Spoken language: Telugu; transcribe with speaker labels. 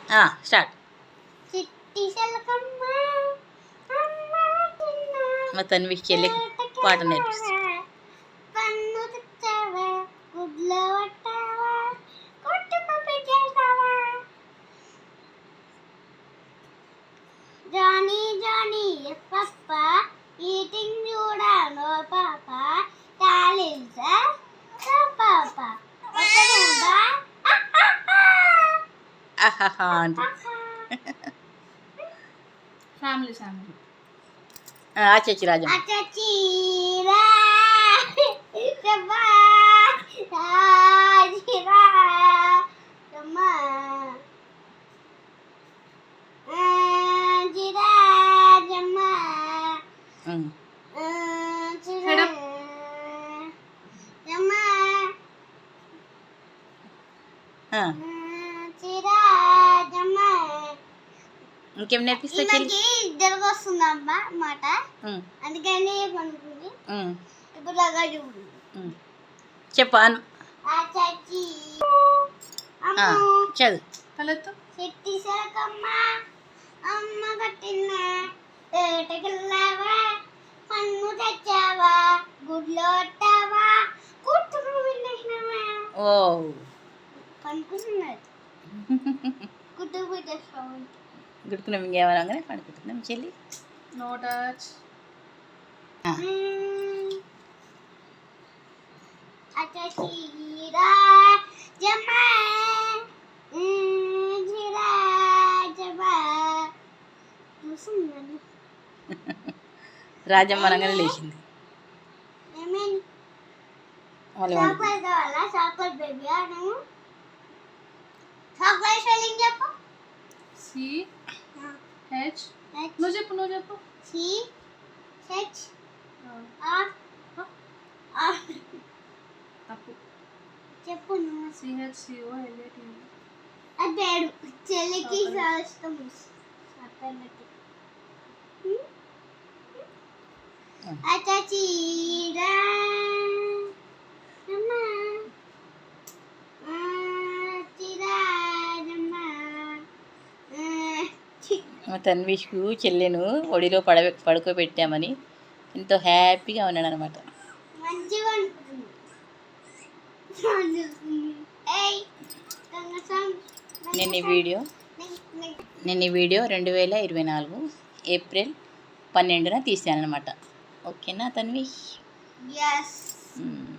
Speaker 1: స్టార్ట్.
Speaker 2: చిట్టి చిలకమ్మ అమ్మ చిన్న
Speaker 1: మా తన్వికి చెల్లి పాట నేర్పిస్తుంది.
Speaker 2: కన్ను తెచ్చావా గుడ్లో పట్టావా కుటుంబ పెట్టేసావా జానీ జానీ పప్ప ఈటింగ్ చూడాలో పాప టాలిల్సా పాప
Speaker 1: ఆహాహా అంటే
Speaker 3: ఫ్యామిలీ ఫ్యామిలీ
Speaker 1: ఆచచ్చి రాజం. ఇంకేం నేర్పిస్తా చెల్లి?
Speaker 2: ఇద్దరికి వస్తుందమ్మ మాట, అందుకని పనుకుంది. ఇప్పుడు లాగా
Speaker 1: చెప్పు చదువు.
Speaker 3: తలెత్తు.
Speaker 2: చెట్టి సరకమ్మ అమ్మ కట్టిన ఏటకెళ్ళావా పన్ను తెచ్చావా గుడ్లో వట్టావా కుట్టుకు పెట్టేసినావా.
Speaker 1: ఓ
Speaker 2: పనుకుంటున్నారు కుట్టుకు పెట్టేస్తావు.
Speaker 1: గుడుకున్నాం ఇంకేమనగానే పడుకుంటున్నాం చెల్లి.
Speaker 3: No touch.
Speaker 1: రాజమ్మ అనగానే లేచింది.
Speaker 2: చాక్లెట్ బేబీ చాక్లెట్ స్పెల్లింగ్ చెప్పు.
Speaker 3: CH నువ్వు చెప్పు.
Speaker 2: CH
Speaker 3: తప్పు
Speaker 2: చెప్పు నువ్వు.
Speaker 3: CHCOLAT.
Speaker 2: అది పేరు చెల్లికి ఇష్టం.
Speaker 1: మా తన్విష్కు చెల్లెను ఒడిలో పడుకోబెట్టామని ఎంతో హ్యాపీగా ఉన్నాడు అనమాట. నేను ఈ వీడియో 2024 ఏప్రిల్ 12న తీసాను అనమాట. ఓకేనా తన్వి?
Speaker 2: Yes.